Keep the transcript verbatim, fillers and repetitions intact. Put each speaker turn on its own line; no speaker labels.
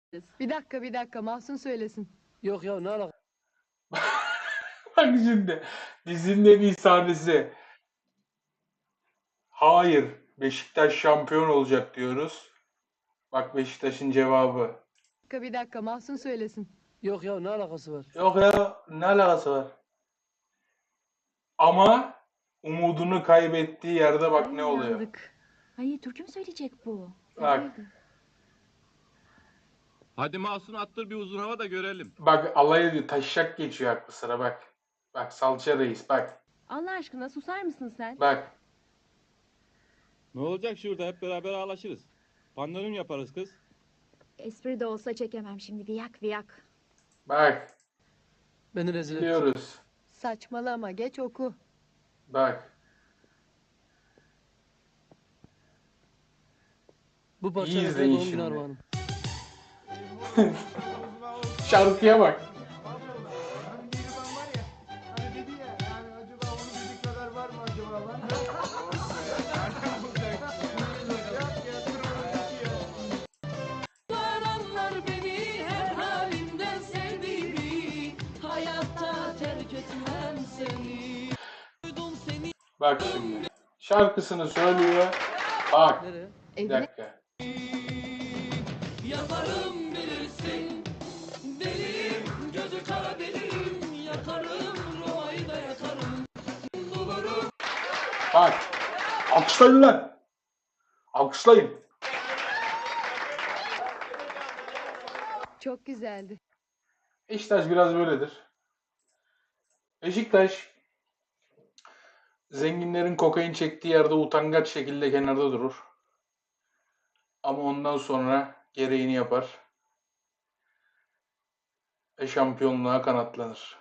Bir dakika bir dakika Mahsun söylesin.
Yok ya ne alaka?
Bak şimdi dizinin bir sahnesi. Hayır, Beşiktaş şampiyon olacak diyoruz. Bak Beşiktaş'ın cevabı.
Bir dakika bir dakika Mahsun söylesin.
Yok ya ne alakası var?
Yok ya, ne alakası var? Ama umudunu kaybettiği yerde bak ne oluyor.
Yandık. Ay türkü mü söyleyecek bu?
Bak.
Hayırdır?
Hadi Mahsun attır bir uzun hava da görelim.
Bak alay ediyor, taşak geçiyor aklı sıra bak. Bak salça reis bak.
Allah aşkına susar mısın sen?
Bak.
Ne olacak şurada hep beraber ağlaşırız. Pandomim yaparız kız.
Espri de olsa çekemem şimdi. Viyak viyak.
Bak.
Beni rezil et.
Biliyoruz.
Saçmalama geç oku.
Bak.
Bu parça
İyi
Efe
izleyin
doğum günü
şimdi.
armağanım.
Şarkıya bak.
Anlar beni her halimden sevdiğimi, hayatta terk etmem seni. Duydum seni
Bak şimdi. Şarkısını söylüyor. Bak.
Nereye?
Bir
Evine
dakika.
yaparım bilirsin. Deliyim, gözü kara deliyim, yakarım, Roma'yı da yakarım. Bulurum.
Bak. Alkışlayın lan. Alkışlayın.
çok güzeldi.
Beşiktaş biraz böyledir. Beşiktaş zenginlerin kokain çektiği yerde utangaç şekilde kenarda durur. Ama ondan sonra gereğini yapar ve şampiyonluğa kanatlanır.